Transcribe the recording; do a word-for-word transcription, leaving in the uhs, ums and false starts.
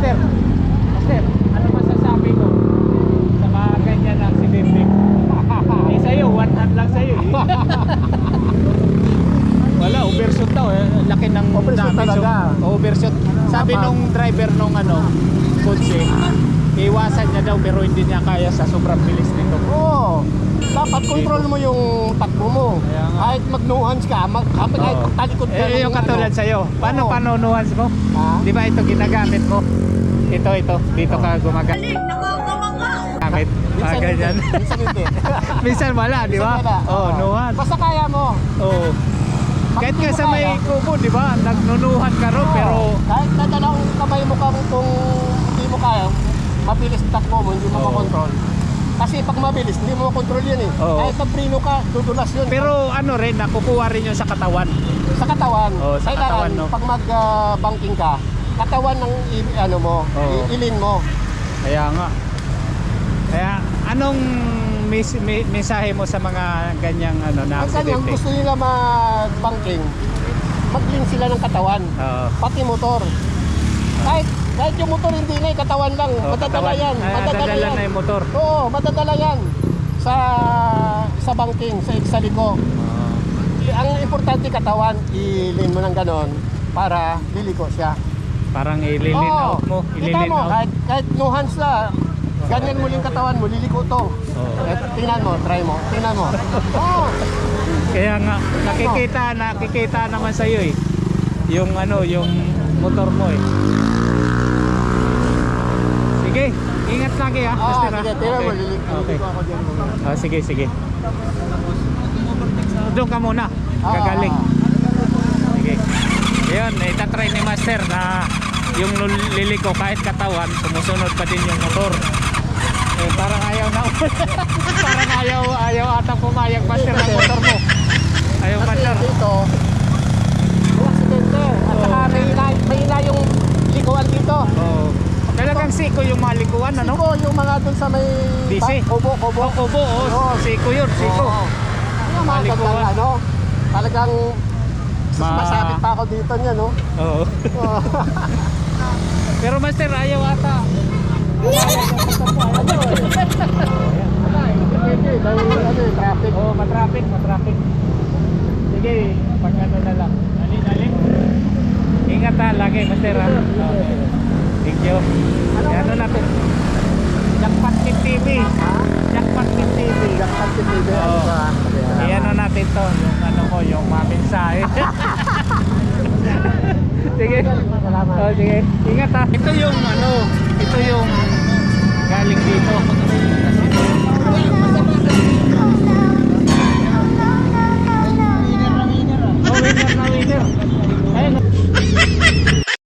Master. Master, ano masasabi ko sa mga ganyan na aksidente? Eh sa'yo, one hand lang sa'yo eh. Wala, overshoot daw eh. Laki ng Overshoot damage. talaga. Oh, overshoot. Sabi Dapat. nung driver nung ano, kotse, iwasan niya daw pero hindi niya kaya sa sobrang bilis nito. Oo. Dapat control mo yung takbo mo. Kaya nga. Kahit mag-nuance ka, mag, kahit Oo. talikod ka. Eh, yung ng katulad ano. sa'yo. Paano Oo. panunuhans mo? Ha? Di ba ito ginagamit mo? Ito, ito. Dito ka gumagamit. Gamit. Ah, Minsan ganyan. hindi. Minsan hindi. Minsan wala, di ba? Minsan wala. Oh, Oo. nuhan. Basta kaya mo. Oh. Kahit hindi nga mo sa may kaya. kubo, di ba? Nagnunuhan ka ron, Oo. pero Kahit na dalawang kamay mo kang kung hindi mo kaya, mabilis takbo mo, hindi mo Oo. makontrol. Kasi pag mabilis, hindi mo makontrol yun eh. Oo. Kahit magpreno ka, dudulas yun. pero ano rin, nakukuha rin yun sa katawan. Sa katawan, Oo, sa kailangan katawan, no? pag mag-banking ka, katawan ng i- ano mo, Oo. i- ilin mo. Kaya nga. Kaya anong mes me- mensahe mo sa mga ganyang ano na Ang kanyang aksidente? gusto nila mag-banking, mag-link sila ng katawan, Oo. pati motor. Kahit kahit yung motor hindi na, eh, katawan lang, Oh, madadala katawan. yan. Ah, Madadala dadala yan. na yung motor. Oo, madadala yan sa sa banking, sa exaliko. Ang importante katawan, ilin mo ng ganon para liliko siya. Parang ililin Oo. out mo, Kita ililin mo, out. kahit, kahit no hands na, ganyan mo yung katawan mo, liliko to. Oo. Eh, tingnan mo, try mo, tingnan mo. Oo, Kaya nga nakikita nakikita naman sa iyo eh. Yung ano, yung motor mo eh. Sige, ingat lagi ha. Ah, Master, ha? sige, tingnan mo, Okay. liliko Okay. ako dyan. Ah, sige, sige. Doon ka muna. Ah, Gagaling. ah. Sige. Ayun, itatry ni Master na yung lul- liliko kahit katawan, sumusunod pa din yung motor. Eh, parang ayaw na. Parang ayaw, ayaw ata pumayag Master ng motor mo. Ayaw Kasi Master. dito, may aksidente. At Oo. saka may ina, may ina yung likuan dito. Oh. Talagang siko yung malikuan, ano? Siko, yung mga dun sa may... D C? ba- Kubo, kubo. Oh, kubo, oh. Oo. Siko yun, siko. Oo. Yung mga Malikuan. gandang ano, talagang Ma- masabit pa ako dito niya, no? Oo. Oo. Pero Master, ayaw ata. Ano eh? Wala eh, depende, dahil ano eh, traffic. Oh, matraffic, matraffic. Sige, pag ano na lang. Dali, dali. Ingat ha, lagi, Master ha. Okay. Thank you. Ano natin? Jackpot Kid T V. Ha? Jackpot Kid T V. Jackpot T V, ano Oo. ba? Iyan ano natin to, yung ano ko, yung mga mensahe. Sige. Salamat. Oh, sige. Ingat ha. Ito yung ano, ito yung